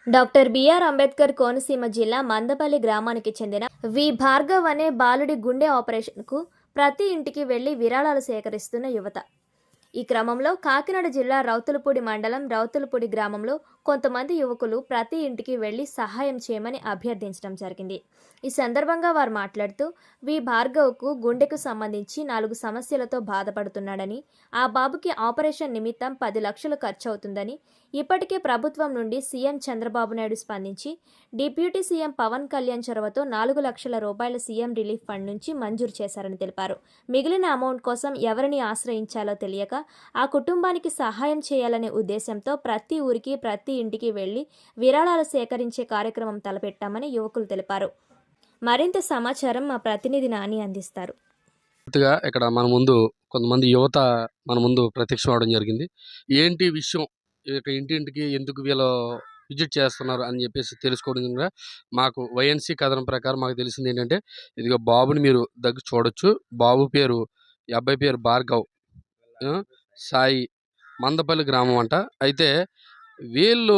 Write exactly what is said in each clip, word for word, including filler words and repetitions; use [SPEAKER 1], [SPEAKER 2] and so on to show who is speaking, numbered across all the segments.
[SPEAKER 1] Doctor BR Ambedkar Konaseema జిల్లా మందపల్లి గ్రామానికి చెందిన వి భార్గవ్ అనే బాలుడి గుండె ఆపరేషన్కు ప్రతి ఇంటికి వెళ్లి విరాళాలు సేకరిస్తున్న యువత. ఈ క్రమంలో కాకినాడ జిల్లా రౌతులపూడి మండలం రౌతులపూడి గ్రామంలో కొంతమంది యువకులు ప్రతి ఇంటికి వెళ్లి సహాయం చేయమని అభ్యర్థించడం జరిగింది. ఈ సందర్భంగా వారు మాట్లాడుతూ వి భార్గవ్కు గుండెకు సంబంధించి నాలుగు సమస్యలతో బాధపడుతున్నాడని, ఆ బాబుకి ఆపరేషన్ నిమిత్తం పది లక్షలు ఖర్చు అవుతుందని, ఇప్పటికే ప్రభుత్వం నుండి సీఎం చంద్రబాబు నాయుడు స్పందించి డిప్యూటీ సీఎం పవన్ కళ్యాణ్ చొరవతో నాలుగు లక్షల రూపాయల సీఎం రిలీఫ్ ఫండ్ నుంచి మంజూరు చేశారని తెలిపారు. మిగిలిన అమౌంట్ కోసం ఎవరిని ఆశ్రయించాలో తెలియక ఆ కుటుంబానికి సహాయం చేయాలనే ఉద్దేశంతో ప్రతి ఊరికి ప్రతి ఇంటికి వెళ్లి విరాళాలు సేకరించే కార్యక్రమం తలపెట్టామని యువకులు తెలిపారు. మరింత సమాచారం మా ప్రతినిధి నాని అందిస్తారు.
[SPEAKER 2] ఇక్కడ మన ముందు కొంతమంది యువత మన ముందు ప్రత్యక్షం అవడం జరిగింది. ఏంటి విషయం, ఇంటింటికి ఎందుకు వీళ్ళు విజిట్ చేస్తున్నారు అని చెప్పేసి తెలుసుకోవడం మాకు వైఎన్సీ కథనం ప్రకారం మాకు తెలిసింది ఏంటంటే, ఇదిగో బాబుని మీరు దగ్గర చూడొచ్చు. బాబు పేరు ఈ అబ్బాయి పేరు భార్గవ్ సాయి, మందపల్లి గ్రామం అంట. అయితే వీళ్ళు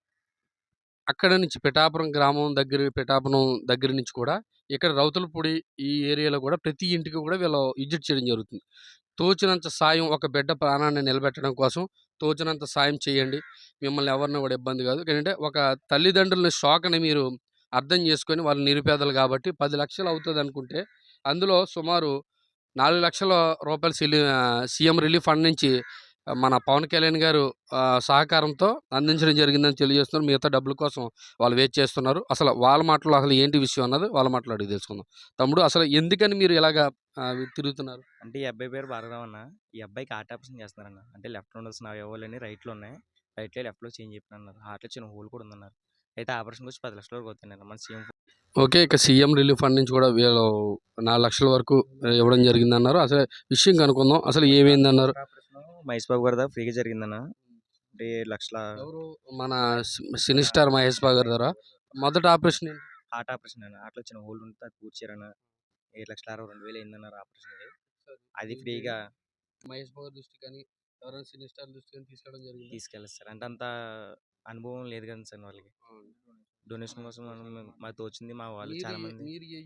[SPEAKER 2] అక్కడ నుంచి పిఠాపురం గ్రామం దగ్గర పిఠాపురం దగ్గర నుంచి కూడా ఇక్కడ రౌతులపూడి ఈ ఏరియాలో కూడా ప్రతి ఇంటికి కూడా వీళ్ళు విజిట్ చేయడం జరుగుతుంది. తోచినంత సాయం, ఒక బిడ్డ ప్రాణాన్ని నిలబెట్టడం కోసం తోచినంత సాయం చేయండి, మిమ్మల్ని ఎవరిని కూడా ఇబ్బంది కాదు. ఎందుకంటే ఒక తల్లిదండ్రుల షాక్ని మీరు అర్థం చేసుకొని, వాళ్ళు నిరుపేదలు కాబట్టి పది లక్షలు అవుతుంది అనుకుంటే అందులో సుమారు నాలుగు లక్షల రూపాయలు సీఎం రిలీఫ్ ఫండ్ నుంచి మన పవన్ కళ్యాణ్ గారు సహకారంతో అందించడం జరిగిందని తెలియజేస్తున్నారు. మిగతా డబ్బుల కోసం వాళ్ళు వెయిట్ చేస్తున్నారు. అసలు వాళ్ళ మాటలు అసలు ఏంటి విషయం అన్నది వాళ్ళ మాటలు అడిగి తెలుసుకుందాం. తమ్ముడు, అసలు ఎందుకని మీరు ఇలాగా తిరుగుతున్నారు?
[SPEAKER 3] అంటే ఈ అబ్బాయి పేరు భార్గవ్ అన్న. ఈ అబ్బాయికి హార్ట్ ఆపరేషన్ చేస్తున్నారన్న. అంటే లెఫ్ట్ ఉండాల్సిన అవయవాలని రైట్లో ఉన్నాయి, రైట్లో లెఫ్ట్లో చేంజ్ చెప్పినన్నారు. హార్ట్లో చిన్న హోల్ కూడా ఉందన్నారు. అయితే ఆపరేషన్ వచ్చి పది లక్షల వరకు అవుతుంది మన సీఎం.
[SPEAKER 2] ఓకే, ఇక సీఎం రిలీఫ్ ఫండ్ నుంచి కూడా వీళ్ళు నాలుగు లక్షల వరకు ఇవ్వడం జరిగింది అన్నారు. అసలు విషయం కనుక్కుందాం, అసలు ఏమైంది అన్నారు.
[SPEAKER 3] మహేష్ బాబు గారి దగ్గర ఫ్రీగా జరిగిందన్న. అంటే ఏడు లక్షల
[SPEAKER 2] మన సినీ స్టార్ మహేష్ బాబు గారి ద్వారా మొదటి ఆపరేషన్
[SPEAKER 3] హార్ట్ ఆపరేషన్ అన్న. హార్ట్లో చిన్న హోల్ ఉంటే అది కూర్చారన్న. ఏడు లక్షల అరవై రెండు వేలు అయిందన్నారు ఆపరేషన్. అది ఫ్రీగా
[SPEAKER 2] మహేష్ బాబు దృష్టి కానీ ఎవరైనా సినీ స్టార్ దృష్టి కానీ తీసుకెళ్ళడం జరిగింది.
[SPEAKER 3] తీసుకెళ్ళారు సార్. అంటే అంత అనుభవం లేదు కదా సార్ వాళ్ళకి. డొనేషన్ కోసం మనం మాకు తోచింది. మా వాళ్ళు చాలా మంది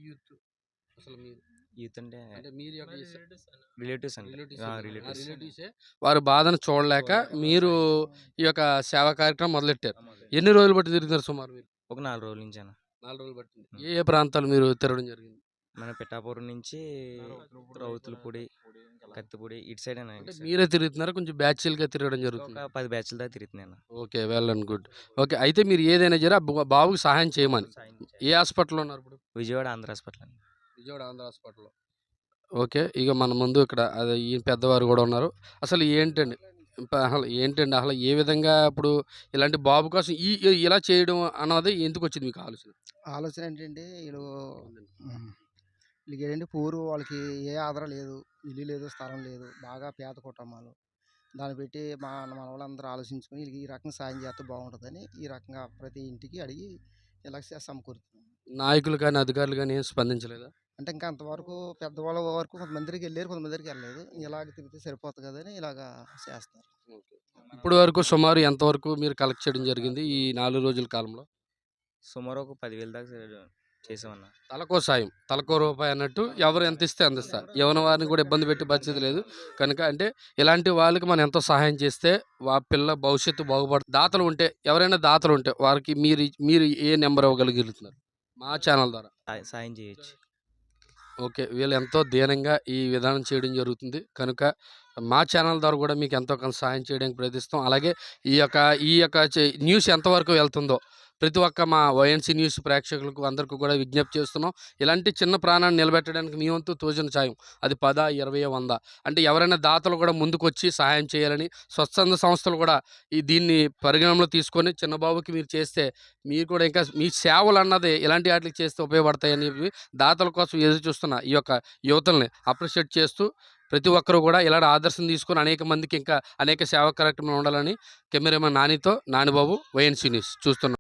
[SPEAKER 3] యూత్ అంటే రిలేటివ్స్
[SPEAKER 2] రిలేటివ్స్ వారి బాధను చూడలేక మీరు ఈ యొక్క సేవా కార్యక్రమం మొదలెట్టారు. ఎన్ని రోజులు బట్టి తిరుగుతున్నారు సుమారు మీరు?
[SPEAKER 3] ఒక నాలుగు రోజుల నుంచి అన్న.
[SPEAKER 2] నాలుగు రోజులు బట్టి ఏ ఏ ప్రాంతాలు మీరు తిరగడం జరిగింది?
[SPEAKER 3] మన పిఠాపురం నుంచి రౌతులపూడి, కత్తిపూడి ఇటు సైడ్
[SPEAKER 2] మీరే తిరుగుతున్నారు? కొంచెం బ్యాచ్లు గా తిరగడం జరుగుతుంది?
[SPEAKER 3] ఒక పది బ్యాచ్ల దాకా తిరుగుతున్నాను.
[SPEAKER 2] Okay, well and good. Okay, అయితే మీరు ఏదైనా జర బాబుకి సహాయం చేయమని ఏ హాస్పిటల్లో ఉన్నారు ఇప్పుడు?
[SPEAKER 3] విజయవాడ ఆంధ్ర హాస్పిటల్.
[SPEAKER 2] విజయవాడ ఆంధ్ర హాస్పిటల్లో. ఓకే, ఇక మన ముందు ఇక్కడ అదే ఈ పెద్దవారు కూడా ఉన్నారు. అసలు ఏంటండి అసలు ఏంటండి అసలు ఏ విధంగా ఇప్పుడు ఇలాంటి బాబు కోసం ఈ ఇలా చేయడం అన్నది ఎందుకు వచ్చింది మీకు ఆలోచన?
[SPEAKER 4] ఆలోచన ఏంటంటే వీళ్ళు వీళ్ళకి ఏంటంటే పూరు వాళ్ళకి ఏ ఆధారం లేదు, ఇల్లు లేదు, స్థలం లేదు, బాగా పేద కుటుంబాలు. దాన్ని పెట్టి మా మన వాళ్ళందరూ ఆలోచించుకొని వీళ్ళకి ఈ రకంగా సాయం చేస్తే బాగుంటుందని ఈ రకంగా ప్రతి ఇంటికి అడిగి ఇలా సమకూరుతున్నాం.
[SPEAKER 2] నాయకులు కానీ అధికారులు కానీ ఏం స్పందించలేదా?
[SPEAKER 4] అంటే ఇంకా అంతవరకు పెద్దవాళ్ళ వరకు కొంతమందికి వెళ్ళారు, కొంతమందికి వెళ్ళలేదు. ఇలాగ తిరిగితే సరిపోతుంది కదని ఇలాగా చేస్తారు.
[SPEAKER 2] ఇప్పుడు వరకు సుమారు ఎంతవరకు మీరు కలెక్ట్ చేయడం జరిగింది ఈ నాలుగు రోజుల కాలంలో?
[SPEAKER 3] సుమారు ఒక పదివేలు దాకా చేసామన్నా.
[SPEAKER 2] తలకో సాయం, తలకో రూపాయి అన్నట్టు ఎవరు ఎంత ఇస్తే అందిస్తారు. ఎవరి వారిని కూడా ఇబ్బంది పెట్టి పరిస్థితి లేదు కనుక, అంటే ఇలాంటి వాళ్ళకి మనం ఎంతో సహాయం చేస్తే వా పిల్ల భవిష్యత్తు బాగుపడుతుంది. దాతలు ఉంటే, ఎవరైనా దాతలు ఉంటే వారికి మీరు మీరు ఏ నెంబర్ ఇవ్వగలుగుతున్నారు మా ఛానల్ ద్వారా?
[SPEAKER 3] సాయం చేయొచ్చు.
[SPEAKER 2] ఓకే, వీళ్ళు ఎంతో దీనంగా ఈ విధానం చేయడం జరుగుతుంది కనుక మా ఛానల్ ద్వారా కూడా మీకు ఎంతో కొంత సాయం చేయడానికి ప్రయత్నిస్తాం. అలాగే ఈ యొక్క ఈ యొక్క న్యూస్ ఎంతవరకు వెళ్తుందో ప్రతి ఒక్క మా వైఎన్సీ న్యూస్ ప్రేక్షకులకు అందరికీ కూడా విజ్ఞప్తి చేస్తున్నాం. ఇలాంటి చిన్న ప్రాణాన్ని నిలబెట్టడానికి మీ వంతు తోచిన సాయం, అది పద ఇరవై వంద అంటే ఎవరైనా దాతలు కూడా ముందుకు వచ్చి సహాయం చేయాలని స్వచ్ఛంద సంస్థలు కూడా ఈ దీన్ని పరిగణనలో తీసుకొని చిన్నబాబుకి మీరు చేస్తే మీరు కూడా ఇంకా మీ సేవలు అన్నది ఇలాంటి వాటికి చేస్తే ఉపయోగపడతాయని దాతల కోసం ఎదురు చూస్తున్న ఈ యొక్క యువతల్ని అప్రిషియేట్ చేస్తూ ప్రతి ఒక్కరూ కూడా ఇలాంటి ఆదర్శం తీసుకొని అనేక మందికి ఇంకా అనేక సేవా కార్యక్రమాలు ఉండాలని కెమెరామెన్ నానితో నానిబాబు, వైఎన్సీ న్యూస్ చూస్తున్నాం.